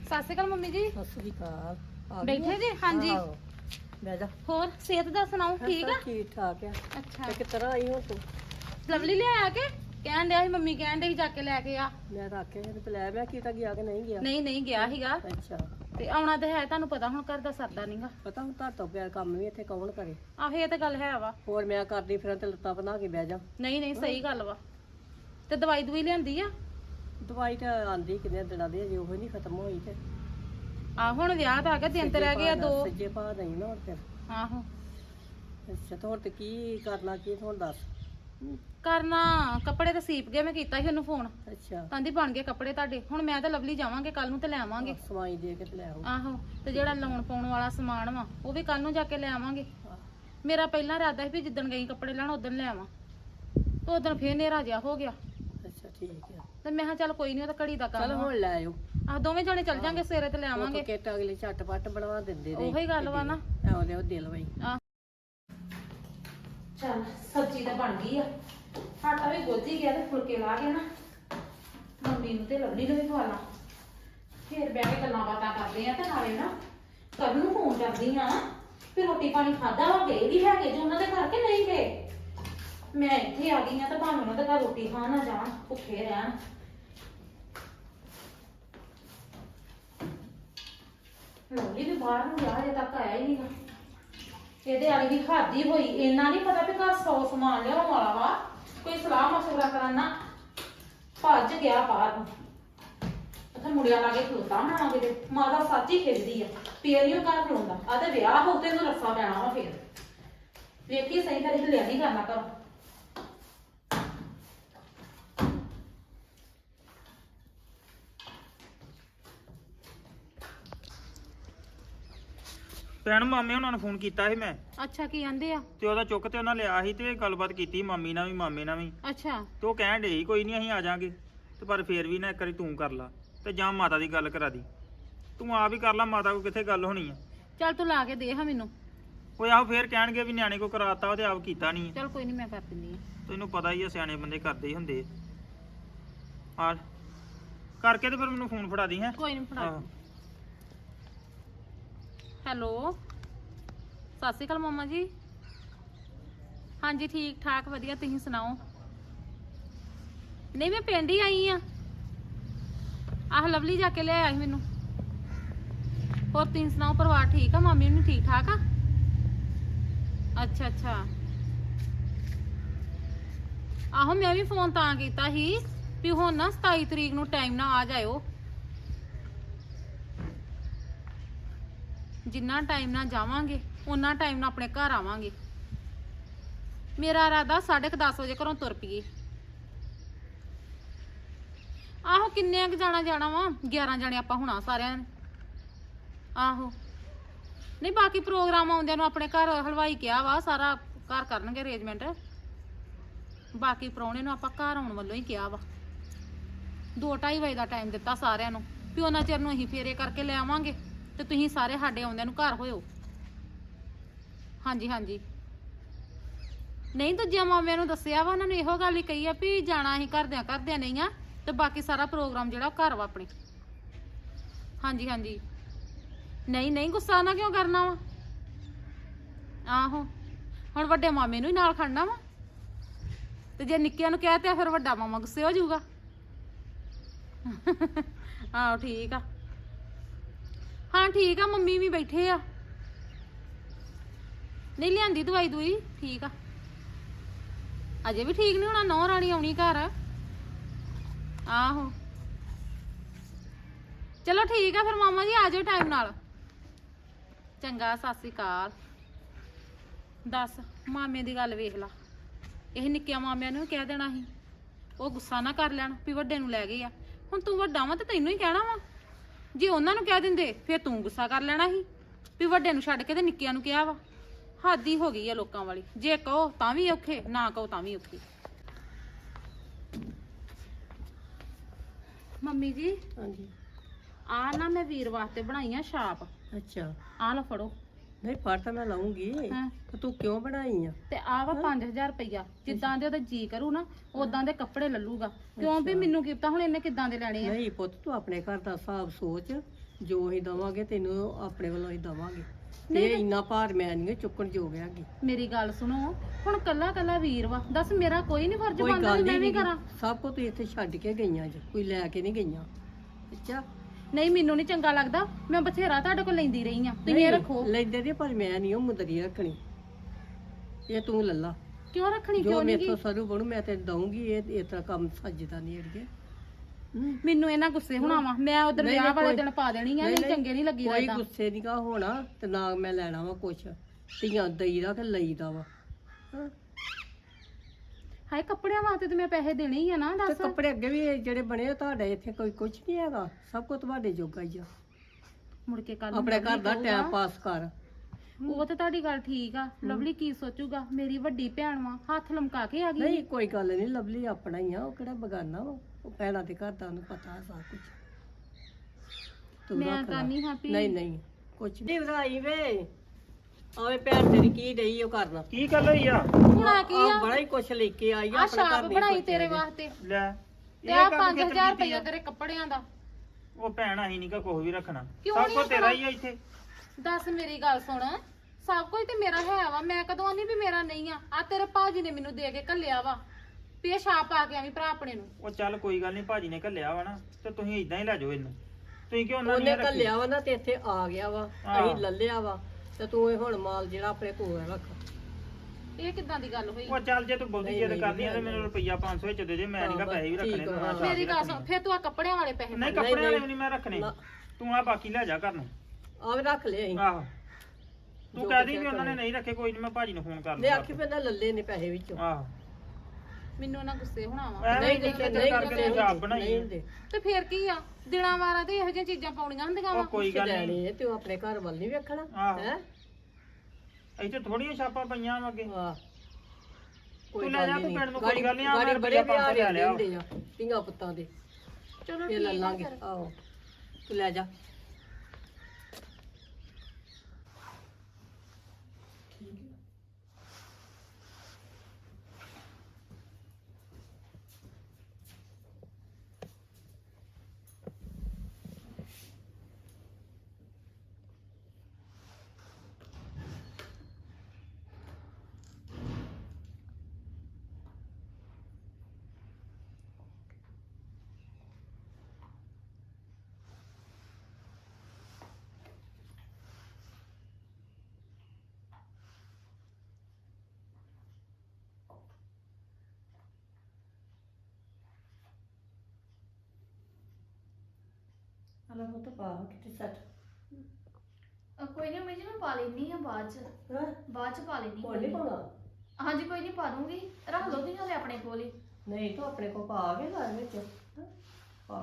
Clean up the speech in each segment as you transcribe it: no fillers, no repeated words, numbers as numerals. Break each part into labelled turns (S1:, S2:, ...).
S1: ਸਤਿ ਸ਼੍ਰੀ ਅਕਾਲ ਮੰਮੀ ਜੀ।
S2: ਸਤਿ ਸ੍ਰੀ ਅਕਾਲ।
S1: ਬੈਠੇ ਜੀ? ਹਾਂਜੀ।
S2: ਬਹਿ ਜਾ।
S1: ਹੋਰ ਸਿਹਤ ਦਾ ਸੁਣਾਓ, ਠੀਕ ਆ?
S2: ਠੀਕ ਠਾਕ ਆ।
S1: ਅੱਛਾ,
S2: ਤੇ ਕਿਸ ਤਰ੍ਹਾਂ ਆਈ ਹੁਣ ਤੂੰ?
S1: ਲਵਲੀ ਲਿਆਇਆ ਕੇ ਕਹਿਣ ਡਿਆ ਸੀ, ਮੰਮੀ ਕਹਿਣ ਡਈ ਜਾ ਕੇ ਲੈ ਕੇ ਆ।
S2: ਮੈਂ ਤਾਂ ਆਖਿਆ ਤੇ ਲੈ ਮੈਂ ਕੀਤਾ ਗਿਆ ਕਿ ਨਹੀਂ ਗਿਆ।
S1: ਨਹੀਂ ਗਿਆ ਸੀਗਾ
S2: ਅੱਛਾ,
S1: ਤੇ ਆਉਣਾ ਤੇ ਹੈ, ਤੁਹਾਨੂੰ ਪਤਾ ਹੁਣ ਘਰ ਦਾ ਸਰਦਾ ਨਹੀਂਗਾ।
S2: ਪਤਾ ਹੁਣ ਧਰ ਤੋਂ ਪਿਆ ਕੰਮ ਵੀ ਇੱਥੇ ਕੌਣ ਕਰੇ।
S1: ਆਹੋ ਇਹ ਤਾਂ ਗੱਲ ਹੈ ਵਾ।
S2: ਹੋਰ ਮੈਂ ਕਰਦੀ ਫਿਰਾਂ ਤੇ ਲੱਤਾਂ ਬਣਾ ਕੇ ਬਹਿ ਜਾ।
S1: ਨਹੀਂ ਸਹੀ ਗੱਲ ਵਾ। ਤੇ ਦਵਾਈ ਦਵਾਈ ਲਿਆਂਦੀ ਆ?
S2: ਦਵਾਈ ਤਾਂ ਆਂਦੀ ਕਿੰਨੇ ਦਿਨਾਂ ਦੀ, ਅਜੇ ਉਹ ਨਹੀਂ ਖਤਮ ਹੋਈ ਤੇ
S1: ਆ ਹੁਣ ਵਿਆਹ ਤਾਂ ਆ ਗਿਆ, ਦਿਨ ਤੇ ਰਹਿ ਗਏ ਆ 2।
S2: ਸੱਜੇ ਪਾ ਨਹੀਂ ਨਾ ਹੁਣ ਫਿਰ।
S1: ਆਹੋ
S2: ਅੱਛਾ, ਤੇ ਹੋਰ ਤੇ ਕੀ ਕਰਨਾ, ਕੀ ਹੁਣ ਦੱਸ।
S1: ਕਰਨਾ ਕੱਪੜੇ ਤਾਂ ਸੀਪ ਗਏ, ਮੈਂ ਕੀਤਾ ਸੀ ਉਹਨੂੰ ਫੋਨ,
S2: ਅੱਛਾ,
S1: ਕਹਿੰਦੀ ਬਣ ਗਏ ਕੱਪੜੇ ਤੁਹਾਡੇ। ਹੁਣ ਮੈਂ ਤਾਂ ਲਵਲੀ ਜਾਵਾਂਗੇ ਕੱਲ ਨੂੰ ਤੇ ਲੈ ਆਵਾਂਗੇ।
S2: ਸਵਾਈ ਦੇ ਕੇ ਤੇ ਲੈ ਆਓ।
S1: ਆਹੋ, ਤੇ ਜਿਹੜਾ ਲਾਉਣ ਪਾਉਣ ਵਾਲਾ ਸਮਾਨ ਵਾ ਉਹ ਵੀ ਕੱਲ ਨੂੰ ਜਾ ਕੇ ਲੈ ਆਵਾਂਗੇ। ਮੇਰਾ ਪਹਿਲਾਂ ਇਰਾਦਾ ਸੀ ਵੀ ਜਿੱਦਣ ਗਈ ਕੱਪੜੇ ਲੈਣ ਉਦੋਂ ਲੈ ਆਵਾਂ, ਤੇ ਉਦੋਂ ਫੇਰ ਹਨੇਰਾ ਜਿਹਾ ਹੋ ਗਿਆ।
S2: ਅੱਛਾ ਠੀਕ ਆ।
S1: ਤੇ ਮੈਂ ਕਿਹਾ ਚੱਲ ਕੋਈ ਨਹੀਂ, ਉਹ ਤਾਂ ਘੜੀ ਦਾ
S2: ਚਲ
S1: ਕੰਮ ਆ।
S2: ਹੁਣ ਲੈ ਆਓ।
S1: ਆਹ ਦੋਵੇਂ ਜਣੇ ਚੱਲ ਜਾਂਗੇ ਸਵੇਰੇ ਤੇ ਲੈ ਆਵਾਂਗੇ।
S2: ਕਿਟ ਅਗਲੇ ਝਟਪਟ ਬਣਵਾ ਦਿੰਦੇ ਨੇ।
S1: ਉਹੀ ਗੱਲ ਵਾ ਨਾ।
S2: ਉਹਦੇ ਉਹ ਦਿਲ ਵਈ।
S1: ਚੱਲ ਸਬਜ਼ੀ ਤਾਂ ਬਣ ਗਈ ਆ, ਆਟਾ ਵੀ ਗੁੱਝ ਹੀ ਗਿਆ, ਤੇ ਫੁਲਕੇ ਲਾ ਕੇ ਨਾ ਮੰਮੀ ਨੂੰ ਤੇ ਲਵਲੀ ਨੂੰ ਵੀ ਖਵਾ ਲਾਂ। ਫੇਰ ਬਹਿ ਕੇ ਗੱਲਾਂ ਬਾਤਾਂ ਕਰਦੇ ਆ, ਤੇ ਨਾਲੇ ਨਾ ਕਰਨ ਨੂੰ ਫੋਨ ਕਰਦੀ ਆ ਵੀ ਰੋਟੀ ਪਾਣੀ ਖਾਦਾ ਵਾ, ਗਏ ਵੀ ਹੈਗੇ ਜੋ ਉਹਨਾਂ ਦੇ ਘਰ ਕੇ ਨਹੀਂ ਗਏ। ਮੈਂ ਇੱਥੇ ਆ ਗਈ ਆ ਤਾਂ ਭਾਵੇਂ ਉਹਨਾਂ ਦੇ ਘਰ ਰੋਟੀ ਖਾ ਨਾ ਜਾਣ, ਭੁੱਖੇ ਰਹਿਣ। ਲਵਲੀ ਵੀ ਬਾਹਰ ਨੂੰ ਗਿਆ, ਹਜੇ ਤੱਕ ਆਇਆ ਹੀ ਨਹੀਂਗਾ। ਇਹਦੇ ਵਾਲੀ ਦੀ ਖਾਦੀ ਹੋਈ, ਇੰਨਾ ਨਹੀਂ ਪਤਾ ਵੀ ਘਰ 100 ਸਮਾਨ ਲਿਆਉਣ ਵਾਲਾ ਵਾ, ਕੋਈ ਸਲਾਹ ਮਸ਼ਵਰਾ ਕਰਨਾ ਭੱਜ ਗਿਆ ਬਾਹਰ ਨੂੰ। ਉੱਥੇ ਮੁੰਡਿਆਂ ਲਾਗੇ ਖਲੋਤਾ ਹੋਣਾ ਕਿਤੇ, ਮਾਤਾ ਸੱਚ ਹੀ ਖਿੱਚਦੀ ਆ, ਫੇਰ ਨਹੀਂ ਉਹ ਘਰ ਖਲੋਂਦਾ। ਆ ਤੇ ਵਿਆਹ ਹੋ ਤੇ ਇਹਨੂੰ ਰੱਸਾ ਪੈਣਾ ਵਾ ਫੇਰ। ਵੇਖੀ ਸਹੀ ਫਿਰ ਹਿੱਲਿਆ ਨਹੀਂ ਕਰਨਾ ਘਰੋਂ।
S3: ਭੈਣ ਮਾਮੇ ਉਹਨਾਂ ਨੂੰ ਫੋਨ ਕੀਤਾ ਸੀ ਮੈਂ,
S1: ਅੱਛਾ, ਕੀ ਆਂਦੇ ਆ?
S3: ਤੇ ਉਹਦਾ ਚੁੱਕ ਤੇ ਉਹਨਾਂ ਲਿਆ ਸੀ ਤੇ ਗੱਲਬਾਤ ਕੀਤੀ ਮਾਮੀ ਨਾਲ ਵੀ ਮਾਮੇ ਨਾਲ ਵੀ।
S1: ਅੱਛਾ,
S3: ਤੇ ਉਹ ਕਹਿਣ ਡੇ ਸੀ ਕੋਈ ਨਹੀਂ ਅਸੀਂ ਆ ਜਾਾਂਗੇ, ਤੇ ਪਰ ਫੇਰ ਵੀ ਨਾ ਇੱਕ ਵਾਰੀ ਤੂੰ ਕਰ ਲਾ ਤੇ ਜਾਂ ਮਾਤਾ ਦੀ ਗੱਲ ਕਰਾ ਦੀ। ਤੂੰ ਆਪ ਹੀ ਕਰ ਲਾ, ਮਾਤਾ ਕੋ ਕਿੱਥੇ ਗੱਲ ਹੋਣੀ ਆ।
S1: ਚੱਲ ਤੂੰ ਲਾ ਕੇ ਦੇ ਹਾਂ ਮੈਨੂੰ।
S3: ਉਹ ਆਹੋ ਫੇਰ ਕਹਿਣਗੇ ਵੀ ਨਿਆਣੇ ਕੋ ਕਰਾਤਾ ਉਹ ਤੇ ਆਪ ਕੀਤਾ ਨਹੀਂ।
S1: ਚੱਲ ਕੋਈ ਨਹੀਂ, ਮੈਂ ਕਰ ਦਿੰਦੀ ਆ।
S3: ਤੈਨੂੰ ਪਤਾ ਹੀ ਆ ਸਿਆਣੇ ਬੰਦੇ ਕਰਦੇ ਹੀ ਹੁੰਦੇ ਆ। ਕਰਕੇ ਤੇ ਫਿਰ ਮੈਨੂੰ ਫੋਨ ਫੜਾ ਦੀ। ਹੈ
S1: ਕੋਈ ਨਹੀਂ, ਫੜਾ। ਹੈਲੋ, ਸਤਿ ਸ਼੍ਰੀ ਅਕਾਲ ਮਾਮਾ ਜੀ। ਹਾਂਜੀ ਠੀਕ ਠਾਕ ਵਧੀਆ, ਤੁਸੀਂ ਸੁਣਾਓ? ਨਹੀਂ ਮੈਂ ਪਿੰਡ ਹੀ ਆਈ ਆ। ਆਹ ਲਵਲੀ ਜਾ ਕੇ ਲੈ ਆਇਆ ਸੀ ਮੈਨੂੰ। ਹੋਰ ਤੁਸੀਂ ਸੁਣਾਓ, ਪਰਿਵਾਰ ਠੀਕ ਆ? ਮਾਮੀ ਨੂੰ ਠੀਕ ਠਾਕ ਆ? ਅੱਛਾ, ਆਹੋ ਮੈਂ ਵੀ ਫੋਨ ਤਾਂ ਕੀਤਾ ਸੀ ਵੀ ਹੁਣ ਨਾ 27 ਤਰੀਕ ਨੂੰ ਟਾਈਮ ਨਾਲ ਆ ਜਾਇਓ। ਜਿੰਨਾ ਟਾਈਮ ਨਾਲ ਜਾਵਾਂਗੇ ਉਹਨਾਂ ਟਾਈਮ ਨਾਲ ਆਪਣੇ ਘਰ ਆਵਾਂਗੇ। ਮੇਰਾ ਇਰਾਦਾ 10:30 ਵਜੇ ਘਰੋਂ ਤੁਰ ਪਈਏ। ਆਹੋ ਕਿੰਨੇ ਕੁ ਜਾਣਾ ਵਾ, 11 ਜਾਣੇ ਆਪਾਂ ਹੋਣਾ ਸਾਰਿਆਂ ਨੇ। ਆਹੋ ਨਹੀਂ, ਬਾਕੀ ਪ੍ਰੋਗਰਾਮ ਆਉਂਦਿਆਂ ਨੂੰ ਆਪਣੇ ਘਰ ਹਲਵਾਈ ਕਿਹਾ ਵਾ, ਸਾਰਾ ਘਰ ਕਰਨਗੇ ਅਰੇਂਜਮੈਂਟ। ਬਾਕੀ ਪ੍ਰਾਹੁਣੇ ਨੂੰ ਆਪਾਂ ਘਰ ਆਉਣ ਵੱਲੋਂ ਹੀ ਕਿਹਾ ਵਾ। 2-2:30 ਵਜੇ ਦਾ ਟਾਈਮ ਦਿੱਤਾ ਸਾਰਿਆਂ ਨੂੰ ਵੀ ਉਹਨਾਂ ਚਿਰ ਨੂੰ ਅਸੀਂ ਫੇਰੇ ਕਰਕੇ ਲੈ ਆਵਾਂਗੇ, ਤੇ ਤੁਸੀਂ ਸਾਰੇ ਸਾਡੇ ਆਉਂਦਿਆਂ ਨੂੰ ਘਰ ਹੋਇਓ। ਹਾਂਜੀ ਨਹੀਂ, ਦੂਜਿਆਂ ਮਾਮਿਆਂ ਨੂੰ ਦੱਸਿਆ ਵਾ, ਉਹਨਾਂ ਨੂੰ ਇਹੋ ਗੱਲ ਹੀ ਕਹੀ ਆ ਵੀ ਜਾਣਾ ਅਸੀਂ ਘਰਦਿਆਂ ਨਹੀਂ ਆ, ਤੇ ਬਾਕੀ ਸਾਰਾ ਪ੍ਰੋਗਰਾਮ ਜਿਹੜਾ ਉਹ ਘਰ ਵਾ ਆਪਣੇ। ਹਾਂਜੀ ਨਹੀਂ ਗੁੱਸਾ ਨਾ ਕਿਉਂ ਕਰਨਾ ਵਾ। ਆਹੋ ਹੁਣ ਵੱਡੇ ਮਾਮੇ ਨੂੰ ਹੀ ਨਾਲ ਖੜਨਾ ਵਾ, ਤੇ ਜੇ ਨਿੱਕਿਆਂ ਨੂੰ ਕਹਿ ਤੇ ਫਿਰ ਵੱਡਾ ਮਾਮਾ ਗੁੱਸੇ ਹੋ ਜਾਊਗਾ। ਆਹੋ ਠੀਕ ਆ। ਹਾਂ ਠੀਕ ਆ, ਮੰਮੀ ਵੀ ਬੈਠੇ ਆ। ਨਹੀਂ ਲਿਆਂਦੀ ਦਵਾਈ ਦੂਈ, ਠੀਕ ਆ। ਅਜੇ ਵੀ ਠੀਕ ਨਹੀਂ ਹੋਣਾ, ਨੌ ਰਾਣੀ ਆਉਣੀ ਘਰ। ਆਹੋ ਚਲੋ ਠੀਕ ਆ ਫਿਰ ਮਾਮਾ ਜੀ, ਆ ਜਾਓ ਟਾਈਮ ਨਾਲ। ਚੰਗਾ, ਸਤਿ ਸ੍ਰੀ ਅਕਾਲ। ਦੱਸ ਮਾਮੇ ਦੀ ਗੱਲ ਵੇਖ ਲਾ, ਇਹ ਨਿੱਕਿਆਂ ਮਾਮਿਆਂ ਨੂੰ ਕਹਿ ਦੇਣਾ ਸੀ, ਉਹ ਗੁੱਸਾ ਨਾ ਕਰ ਲੈਣ ਵੀ ਵੱਡੇ ਨੂੰ ਲੈ ਗਏ ਆ। ਹੁਣ ਤੂੰ ਵੱਡਾ ਵਾ ਤੇ ਤੈਨੂੰ ਹੀ ਕਹਿਣਾ ਵਾ। ਜੇ ਉਹਨਾਂ ਨੂੰ ਕਹਿ ਦਿੰਦੇ ਫਿਰ ਤੂੰ ਗੁੱਸਾ ਕਰ ਲੈਣਾ ਸੀ ਵੀ ਵੱਡੇ ਨੂੰ ਛੱਡ ਕੇ ਤੇ ਨਿੱਕਿਆਂ ਨੂੰ ਕਿਹਾ ਵਾ। ਹੱਦ ਹੀ ਹੋ ਗਈ ਆ ਲੋਕਾਂ ਵਾਲੀ, ਜੇ ਕਹੋ ਤਾਂ ਵੀ ਔਖੇ, ਨਾ ਕਹੋ ਤਾਂ ਵੀ ਔਖੇ। ਮੰਮੀ ਜੀ,
S2: ਹਾਂਜੀ।
S1: ਆ ਨਾ ਮੈਂ ਵੀਰ ਵਾਸਤੇ ਬਣਾਈ ਆ ਛਾਪ।
S2: ਅੱਛਾ,
S1: ਆ ਲਓ ਫੜੋ।
S2: ਨਹੀਂ ਫੜ ਤਾਂ ਮੈਂ ਲਾਉਂਗੀ,
S1: ਹਾਂ
S2: ਤੂੰ ਕਿਉਂ ਬਣਾਈ ਆ?
S1: ਤੇ ਆ ਵਾ 5000 ਰੁਪਇਆ, ਜਿੱਦਾਂ ਦੇ ਉਹਦਾ ਜੀ ਕਰੂ ਨਾ ਉਦਾਂ ਦੇ ਕੱਪੜੇ ਲੱਲੂਗਾ। ਕਿਉਂ ਵੀ ਮੈਨੂੰ ਕੀ ਪਤਾ ਹੁਣ ਇਹਨੇ ਕਿੱਦਾਂ ਦੇ ਲੈਣੇ ਆ।
S2: ਨਹੀਂ ਪੁੱਤ, ਤੂੰ ਆਪਣੇ ਘਰ ਦਾ ਹਿਸਾਬ ਸੋਚ ਜੋ ਅਸੀਂ ਦਵਾਂਗੇ ਤੈਨੂੰ ਆਪਣੇ ਵੱਲੋਂ ਹੀ ਦਵਾਂਗੇ ਤੇ ਇੰਨਾ ਭਾਰ ਮੈਂ ਨਹੀਂ ਚੁੱਕਣ ਯੋਗ ਹੈਗੀ।
S1: ਮੇਰੀ ਗੱਲ ਸੁਣੋ, ਹੁਣ ਕੱਲਾ ਕੱਲਾ ਵੀਰ ਵਾ, ਦੱਸ ਮੇਰਾ ਕੋਈ ਨਹੀਂ ਫਰਜ਼
S2: ਕੋਈ
S1: ਬਣਦਾ
S2: ਗੱਲ
S1: ਵੀ ਮੈਂ ਵੀ
S2: ਨਹੀਂ
S1: ਕਰਾਂ।
S2: ਸਭ ਕੁਝ ਤੂੰ ਇੱਥੇ ਛੱਡ ਕੇ ਗਈਆਂ ਜੇ, ਕੋਈ ਲੈ ਕੇ ਨਹੀਂ ਗਈਆਂ। ਅੱਛਾ
S1: ਨਹੀਂ ਮੈਨੂੰ ਨਹੀਂ ਚੰਗਾ ਲੱਗਦਾ, ਮੈਂ ਬਥੇਰਾ ਤੁਹਾਡੇ ਕੋਲ ਲੈਂਦੀ ਰਹੀ ਆ, ਤੁਸੀਂ ਇਹ ਰੱਖੋ।
S2: ਲੈਂਦੇ ਦੇ ਪਰ ਮੈਂ ਨਹੀਂ ਉਹ ਮੁੰਦਰੀ ਰੱਖਣੀ, ਇਹ ਤੂੰ ਲੱਲਾ।
S1: ਕਿਉਂ ਰੱਖਣੀ,
S2: ਜੋ
S1: ਕਿਉਂ ਨਹੀਂ
S2: ਮੇਰੇ ਤੋਂ ਸਰੂ ਬਣੂ ਮੈਂ ਤੈਨੂੰ ਦਊਂਗੀ। ਇਹ ਇਸ ਤਰ੍ਹਾਂ ਕੰਮ ਸੱਜਦਾ ਨਹੀਂ ਅੜੀਏ।
S1: ਮੈਨੂੰ ਇਹਨਾਂ ਗੁੱਸੇ ਹੋਣਾ ਵਾ, ਮੈਂ ਉਧਰ
S2: ਨਹੀਂ,
S1: ਵਿਆਹ ਵਾਲੇ
S2: ਕੋਈ-
S1: ਦਿਨ ਪਾ ਦੇਣੀ ਆ, ਨਹੀਂ ਚੰਗੇ ਨਹੀਂ ਲੱਗੀ
S2: ਕੋਈ
S1: ਰਹਿਦਾ।
S2: ਗੁੱਸੇ ਨਹੀਂ ਕਾ ਹੋਣਾ ਤੇ ਨਾ ਮੈਂ ਲੈਣਾ ਵਾ ਕੁਛ। ਧੀਆਂ ਦਈਦਾ ਕਿ ਲਈਦਾ ਵਾ। ਹਾਂ।
S1: ਹਾਏ ਕੱਪੜਿਆਂ ਵਾਸਤੇ ਤੇ ਮੈਂ ਪੈਸੇ ਦੇਣੇ ਹੀ ਆ ਨਾ,
S2: ਤੇ
S1: ਦੱਸ।
S2: ਕੱਪੜੇ ਅੱਗੇ ਵੀ ਜਿਹੜੇ ਬਣੇ ਆ ਤੁਹਾਡੇ ਇੱਥੇ ਕੋਈ ਕੁਛ ਨਹੀਂ ਹੈਗਾ, ਸਭ ਕੁਝ ਤੁਹਾਡੇ ਜੋਗਾ ਹੀ ਆ।
S1: ਮੁੜ ਕੇ ਕੱਲ
S2: ਆਪਣੇ ਘਰ ਦਾ ਟਾਈਮ ਪਾਸ ਕਰ।
S1: ਉਹ ਤੇ ਤੁਹਾਡੀ ਗੱਲ ਠੀਕ ਆ, ਲਵਲੀ ਕੀ ਸੋਚੂਗਾ, ਮੇਰੀ ਵੱਡੀ ਭੈਣ ਵਾ, ਹੱਥ ਲਮਕਾ ਕੇ ਆ ਗਈ।
S2: ਨਹੀਂ ਕੋਈ ਗੱਲ ਨਹੀਂ, ਲਵਲੀ ਆਪਣਾ ਹੀ ਆ, ਉਹ ਕਿਹੜਾ ਬਗਾਨਾ ਵਾ। ਉਹ ਭੈਣਾਂ ਦੇ ਘਰ ਦਾ ਉਹਨੂੰ ਪਤਾ ਸਭ ਕੁਝ। ਤੂੰ
S1: ਮੈਂ
S2: ਰੱਖ ਲਾ।
S1: ਕਰਨੀ ਹੈਪੀ।
S2: ਨਹੀਂ ਨਹੀਂ ਕੁਛ ਨਹੀਂ ਵਧਾਈ ਵੇ। ਆਵੇ ਭੈਣ ਤੇਰੀ ਕੀ ਡਈ ਉਹ ਕਰਨਾ।
S3: ਕੀ ਗੱਲ ਹੋਈ ਆ?
S1: ਹੁਣ ਆ ਕੀ ਆ,
S2: ਬੜਾ ਹੀ ਕੁਛ ਲੈ ਕੇ ਆਈ ਆ
S1: ਆ
S2: ਆਪਣੇ ਘਰ
S1: ਛਾਪ
S2: ਨਹੀਂ
S1: ਬਣਾਈ
S2: ਸੋਚਿਆ
S1: ਤੇਰੇ
S2: ਇਹਨੇ।
S1: ਵਾਸਤੇ
S3: ਲੈ
S1: ਤੇ ਆ
S3: ਕੰਮ
S1: 5000
S3: ਕਿੱਥੇ ਕੀਤੀ
S1: ਰੁਪਇਆ
S3: ਆ?
S1: ਤੇਰੇ ਕੱਪੜਿਆਂ ਦਾ।
S3: ਉਹ ਭੈਣ ਅਸੀਂ ਨਹੀਂ ਕਾ ਕੁਝ ਵੀ ਰੱਖਣਾ,
S1: ਕਿਉਂ
S3: ਸਭ
S1: ਨੀ
S3: ਕੁਝ ਤੇਰਾ
S1: ਰੱਖਣਾ?
S3: ਹੀ ਆ ਇੱਥੇ।
S1: ਦੱਸ ਮੇਰੀ ਗੱਲ ਸੁਣ, ਸਭ ਕੁਝ ਤੇ ਮੇਰਾ ਹੈ ਵਾ, ਮੈਂ ਕਦੋਂ ਆਨੀ ਵੀ ਮੇਰਾ ਨਹੀਂ ਆ। ਆ ਤੇਰੇ ਭਾਜੀ ਨੇ ਮੈਨੂੰ ਦੇ ਕੇ ਘੱਲਿਆ ਵਾ ਵੀ ਇਹ ਛਾਪ ਆ ਕੇ ਆਵੀਂ ਭਰਾ ਆਪਣੇ ਨੂੰ।
S3: ਉਹ ਚੱਲ ਕੋਈ ਗੱਲ ਨਹੀਂ, ਭਾਜੀ ਨੇ ਘੱਲਿਆ ਵਾ ਨਾ, ਤੇ ਤੁਸੀਂ ਇਦਾਂ ਹੀ ਲੈ ਜਾਓ ਇਹਨੂੰ। ਤੁਸੀਂ ਕਿਉਂ ਉਹਨਾਂ
S2: ਉਹਨੇ
S3: ਨੇ ਰੱਖੀ?
S2: ਘੱਲਿਆ ਵਾ ਨਾ ਤੇ ਇੱਥੇ ਆ ਗਿਆ ਵਾ,
S3: ਆਹੋ।
S2: ਅਸੀਂ ਲੱਲਿਆ ਵਾ ਤੇ ਤੂੰ ਇਹ ਹੁਣ ਮਾਲ ਜਿਹੜਾ ਆਪਣੇ ਕੋਲ ਰੱਖ।
S1: ਇਹ ਕਿੱਦਾਂ ਦੀ ਗੱਲ ਹੋਈ?
S3: ਉਹ ਚੱਲ ਜੇ ਤੂੰ ਬਹੁਤੀ
S2: ਨਹੀਂ,
S3: ਜਿੱਦ
S2: ਨਹੀਂ,
S3: ਕਰਦੀ ਆ ਤੇ
S2: ਨਹੀਂ,
S3: ਮੈਨੂੰ ਰੁਪਈਆ 500 ਵਿੱਚ ਦੇ ਦੇ, ਮੈਂ ਨਹੀਂ ਕਾ ਪੈਸੇ ਵੀ
S2: ਠੀਕ
S3: ਰੱਖਣੇ
S2: ਆ,
S3: ਤੂੰ ਆਹ
S1: ਮੇਰੀ ਗੱਲ
S3: ਰੱਖਣੀ।
S1: ਸੁਣ, ਫਿਰ ਤੂੰ ਆ ਕੱਪੜਿਆਂ ਵਾਲੇ ਪੈਸੇ
S3: ਨਹੀਂ
S1: ਫੜ।
S3: ਕੱਪੜੇ ਵਾਲੇ
S2: ਨਹੀਂ,
S3: ਵੀ ਨਹੀਂ ਮੈਂ ਰੱਖਣੇ,
S2: ਨਾ।
S3: ਤੂੰ ਆ ਬਾਕੀ ਲੈ ਜਾ ਘਰ ਨੂੰ।
S2: ਆਵੇ ਰੱਖ ਲਿਆ ਅਸੀਂ।
S3: ਆਹੋ ਤੂੰ
S2: ਜੋ
S3: ਕਹਿ ਦੀ
S2: ਕੁਛ
S3: ਵੀ ਉਹਨਾਂ ਨੇ
S2: ਕਰਨਾ।
S3: ਨਹੀਂ ਰੱਖੇ, ਕੋਈ ਨਹੀਂ ਮੈਂ ਭਾਜੀ ਨੂੰ ਫੋਨ ਕਰ
S2: ਲੈ
S3: ਲੂੰਗਾ।
S2: ਆਖੀ ਪੈਂਦਾ ਲੱਲੇ ਨੇ ਪੈਸੇ ਵਿੱਚੋਂ।
S3: ਆਹੋ
S1: ਮੈਨੂੰ ਉਹਨਾਂ ਗੁੱਸੇ ਹੋਣਾ ਵਾ।
S3: ਐਵੇਂ
S2: ਨਹੀਂ
S3: ਨਹੀਂ
S2: ਦਿੱਤੇ,
S3: ਨਹੀਂ ਕਰਕੇ ਹਿਸਾਬ ਬਣਾਈ
S2: ਨਹੀਂ ਹੁੰਦੇ।
S1: ਤੇ ਫਿਰ ਕੀ ਆ, ਦਿਨਾਂ ਵਾਰਾਂ ਤੇ ਇਹੋ ਜਿਹੀਆਂ ਚੀਜ਼ਾਂ ਪਾਉਣੀਆਂ ਹੁੰਦੀਆਂ
S3: ਉਹ
S1: ਵਾ।
S3: ਕੋਈ ਗੱਲ ਨਹੀਂ,
S2: ਲੈਣੇ ਤੇ ਉਹ ਆਪਣੇ ਘਰ ਵੱਲ ਨਹੀਂ ਵੇਖਣਾ
S3: ਆਹੋ।
S2: ਹੈ।
S3: ਇੱਥੇ ਥੋੜੀਆਂ ਛਾਪਾਂ ਪਈਆਂ ਵਾ ਅੱਗੇ।
S2: ਵਾਹ
S3: ਤੂੰ ਲੈ ਜਾ, ਤੂੰ ਪਿੰਡ ਨੂੰ ਕੋਈ ਗੱਲ ਨਹੀਂ, ਆ ਮੈਂ
S2: ਬੜੇ
S3: ਰੁਪਈਆ
S2: ਪਿਆਰ
S3: 500 ਲੈ ਲਿਆ।
S2: ਹੁੰਦੇ ਆ ਧੀਆਂ ਪੁੱਤਾਂ ਦੇ।
S1: ਚਲੋ
S2: ਇਹ ਲੈ
S1: ਠੀਕ ਆ
S2: ਲਾਂਗੇ।
S1: ਫਿਰ।
S2: ਆਹੋ ਤੂੰ ਲੈ ਜਾ। ਹਲਾ ਪੁੱਤ ਪਾ ਕਿਤੇ ਸੱਟ।
S4: ਕੋਈ ਨਹੀਂ ਮੈਂ ਜੀ ਮੈਂ ਪਾ ਲੈਣੀ ਆ ਬਾਅਦ ਚ
S2: ਹਾਂ
S4: ਪਾ ਲੈਣੀ
S2: ਹੋਰ ਨਹੀਂ ਪਾਉਣਾ।
S4: ਹਾਂਜੀ ਕੋਈ ਨਹੀਂ ਪਾ ਦੂੰਗੀ, ਰੱਖ ਲਓ ਤੁਸੀਂ ਹਲੇ ਆਪਣੇ ਕੋਲ ਹੀ।
S2: ਨਹੀਂ ਤੂੰ ਆਪਣੇ ਕੋ ਪਾ ਕੇ ਘਰ ਵਿੱਚ ਹਾਂ, ਪਾ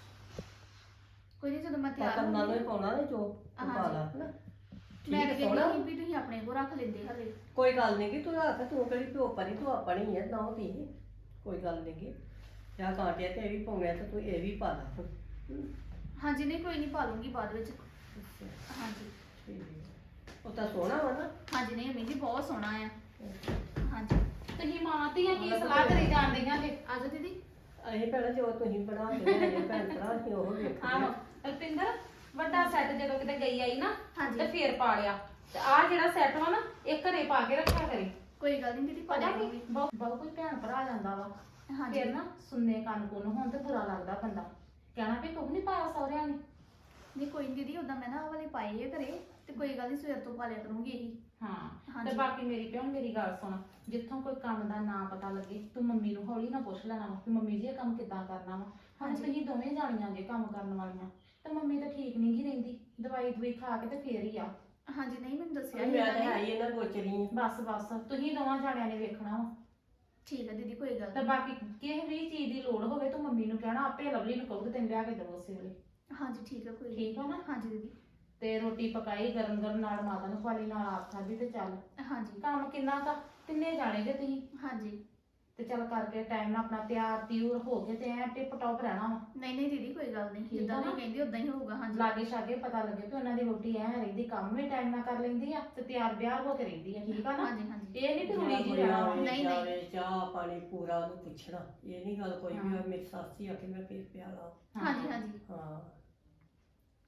S4: ਕੋਈ ਨਹੀਂ ਜਦੋਂ ਮੈਂ ਤਿਆਰ
S2: ਕੰਨਾਂ ਨੂੰ
S4: ਹੋਊਂਗੀ
S2: ਹੀ ਪਾਉਣਾ ਨੇ ਜੋ ਤੂੰ ਪਾ ਲਾ ਹਨਾ।
S4: ਮੈਂ
S2: ਠੀਕ
S4: ਤਾਂ
S2: ਸੋਹਣਾ।
S4: ਕਹਿੰਦੀ ਸੀ ਵੀ ਤੁਸੀਂ ਆਪਣੇ ਕੋਲ ਰੱਖ ਲੈਂਦੇ ਹਲੇ।
S2: ਕੋਈ ਗੱਲ ਨਹੀਂ ਕਿ ਤੂੰ ਰੱਖ, ਤੂੰ ਕਿਹੜੀ ਪਿਓ ਪਰੀ, ਤੂੰ ਆਪਣੀ ਹੈ ਨਾ ਧੀ। ਕੋਈ ਗੱਲ ਨਹੀਂ ਕਿ ਜਾਂ ਕਾਂਟਿਆ ਤੇ ਇਹ ਵੀ ਪਾਉਣਾ ਤੇ ਤੂੰ ਇਹ ਵੀ ਪਾ ਲਾ ਫਿਰ।
S4: ਹਾਂਜੀ ਨਹੀਂ ਕੋਈ ਨਹੀਂ ਪਾ ਲੂੰਗੀ ਬਾਅਦ ਵਿੱਚ। ਹਾਂਜੀ
S2: ਠੀਕ ਹੈ। ਉਹ ਤਾਂ ਸੋਹਣਾ ਵਾ ਨਾ।
S4: ਹਾਂਜੀ ਨਹੀਂ ਅਮੀ ਜੀ ਬਹੁਤ ਸੋਹਣਾ ਆ। ਹਾਂਜੀ
S1: ਤੁਸੀਂ ਮਾਵਾਂ ਧੀਆਂ ਕੀ ਸਲਾਹ ਕਰੀ ਜਾਂਦੀਆਂ ਜੇ?
S4: ਆਜੋ ਦੀਦੀ।
S2: ਅਸੀਂ ਭੈਣਾ ਜੋ ਤੁਸੀਂ ਬਣਾ ਕੇ ਲਿਆਏ ਭੈਣ ਭਰਾ ਅਸੀਂ ਉਹ ਵੇਖਦੇ
S1: ਆਹੋ
S2: ਹਾਂ।
S1: ਰਪਿੰਦਰ, ਵੱਡਾ ਸੈੱਟ ਜਦੋਂ ਕਿਤੇ ਗਈ ਆਈ ਨਾ
S4: ਹਾਂਜੀ।
S1: ਤੇ ਫੇਰ ਪਾ ਲਿਆ, ਤੇ ਆਹ ਜਿਹੜਾ ਸੈੱਟ ਵਾ ਨਾ ਇਹ ਘਰੇ ਪਾ ਕੇ ਰੱਖਿਆ ਕਰੇ।
S4: ਕੋਈ ਗੱਲ ਨਹੀਂ ਦੀਦੀ ਪਾ
S1: ਪਤਾ ਕੀ
S4: ਲੂੰਗੀ।
S1: ਬਹੁਤ ਕੋਈ ਭੈਣ ਭਰਾ ਜਾਂਦਾ ਵਾ,
S4: ਹਾਂਜੀ
S1: ਫੇਰ ਨਾ ਸੁਣਨੇ ਕੰਨ ਕੁੰਨ ਹੋਣ ਤੇ ਬੁਰਾ ਲੱਗਦਾ ਬੰਦਾ, ਕਹਿਣਾ ਵੀ ਤੂੰ ਨਹੀਂ ਪਾਇਆ ਸਹੁਰਿਆਂ ਨੇ।
S4: ਨਹੀਂ ਕੋਈ ਨਹੀਂ ਦੀਦੀ ਉਦਾਂ ਮੈਂ ਨਾ ਆਹ ਵਾਲੇ ਪਾਏ ਆ ਘਰੇ, ਤੇ ਕੋਈ ਗੱਲ ਨਹੀਂ ਸਵੇਰ ਤੋਂ ਪਾ ਲਿਆ ਕਰੂੰਗੀ ਇਹੀ।
S1: ਹਾਂ
S4: ਹਾਂਜੀ।
S1: ਤੇ ਬਾਕੀ ਮੇਰੀ ਭੈਣ ਮੇਰੀ ਗੱਲ ਸੁਣ, ਜਿੱਥੋਂ ਕੋਈ ਕੰਮ ਦਾ ਨਾ ਪਤਾ ਲੱਗੇ ਤੂੰ ਮੰਮੀ ਨੂੰ ਹੌਲੀ ਨਾ ਪੁੱਛ ਲੈਣਾ ਵਾ ਕਿ ਮੰਮੀ ਜੀ ਇਹ ਕੰਮ ਕਿੱਦਾਂ ਕਰਨਾ ਵਾ। ਹੁਣ
S4: ਹਾਂਜੀ।
S1: ਤੁਸੀਂ ਦੋਵੇਂ ਜਾਣੀਆਂ ਜੇ ਕੰਮ ਕਰਨ ਵਾਲੀਆਂ, ਤੇ ਮੰਮੀ ਤਾਂ ਠੀਕ ਨਹੀਂ ਗੀ ਰਹਿੰਦੀ, ਦਵਾਈ ਦਵਾਈ ਖਾ ਕੇ ਤੇ ਫੇਰ ਹੀ ਆ।
S4: ਹਾਂਜੀ ਨਹੀਂ ਮੈਨੂੰ ਦੱਸਿਆ ਸੀ
S2: ਮੈਂ
S4: ਇਹਨਾਂ
S2: ਤਾਂ ਹੈ
S4: ਨੇ।
S2: ਹੀ ਇਹਨਾਂ ਗੋਚਰੀ
S1: ਬਸ ਬਸ ਤੁਸੀਂ ਦੋਵਾਂ ਜਾਣਿਆਂ ਨੇ ਵੇਖਣਾ ਵਾ।
S4: ਠੀਕ ਹੈ ਦੀਦੀ ਕੋਈ ਗੱਲ
S1: ਤੇ
S4: ਨਹੀਂ।
S1: ਬਾਕੀ ਕਿਸੇ ਵੀ ਚੀਜ਼ ਦੀ ਲੋੜ ਹੋਵੇ ਤੂੰ ਮੰਮੀ ਨੂੰ ਕਹਿਣਾ, ਆਪੇ ਲਵਲੀ ਨੂੰ ਕਹੂਗੀ ਤੈਨੂੰ ਲਿਆ ਕੇ ਦੇਵੋ ਉਸੇ ਵੇਲੇ।
S4: ਹਾਂਜੀ ਠੀਕ ਹੈ ਕੋਈ ਨੀ।
S1: ਠੀਕ ਆ ਨਾ?
S4: ਹਾਂਜੀ ਦੀਦੀ।
S1: ਤੇ ਰੋਟੀ ਪਕਾਈ ਗਰਮ ਗਰਮ, ਨਾਲ ਮਾਤਾ ਨੂੰ ਖਵਾਲੀ, ਨਾਲ ਆਪ ਖਾਧੀ, ਤੇ ਚੱਲ
S4: ਹਾਂਜੀ
S1: ਕੰਮ ਕਿੰਨਾ ਤਾਂ ਤਿੰਨੇ ਜਾਣੇ ਜੇ ਤੁਸੀਂ,
S4: ਹਾਂਜੀ
S1: ਤੇ ਚੱਲ ਕਰਕੇ ਟਾਈਮ ਨਾਲ ਆਪਣਾ ਤਿਆਰ ਤਿਉਰ ਹੋ ਕੇ ਤੇ ਐ ਟਿਪ ਟੌਪ ਰਹਿਣਾ ਵਾ।
S4: ਨਹੀਂ ਨਹੀਂ ਦੀਦੀ ਕੋਈ ਗੱਲ ਨਹੀਂ,
S1: ਠੀਕ
S4: ਜਿੱਦਾਂ
S1: ਆ
S4: ਤੁਸੀਂ
S1: ਨਾ?
S4: ਕਹਿੰਦੇ ਉਦਾਂ ਹੀ ਹੋਊਗਾ। ਹਾਂਜੀ
S1: ਲਾਗੇ ਛਾਗੇ ਪਤਾ ਲੱਗੇ ਕਿ ਉਹਨਾਂ ਦੀ ਰੋਟੀ ਐ ਰਹਿੰਦੀ, ਕੰਮ ਵੀ ਟਾਈਮ ਨਾਲ ਕਰ ਲੈਂਦੀ ਆ ਤੇ ਤਿਆਰ ਬਿਆਰ ਹੋ ਕੇ ਰਹਿੰਦੀ ਆ। ਠੀਕ ਆ ਨਾ?
S4: ਹਾਂਜੀ ਹਾਂਜੀ
S1: ਇਹ ਨਹੀਂ ਕਿ ਰੁੜੀ ਜੀ ਰਹਿਣਾ ਵਾ।
S4: ਨਹੀਂ, ਨਹੀਂ।
S2: ਜਾਵੇ ਚਾਹ ਪਾਣੀ ਪੂਰਾ ਉਹਨੂੰ ਪੁੱਛਣਾ, ਇਹ ਨਹੀਂ ਗੱਲ ਕੋਈ ਵੀ
S1: ਹਾਂ।
S2: ਹੋਵੇ ਮੇਰੀ ਸੱਸ ਹੀ ਆ ਕੇ ਮੈਂ ਫੇਰ ਪਿਆਲਾ।
S4: ਹਾਂਜੀ ਹਾਂਜੀ
S2: ਹਾਂ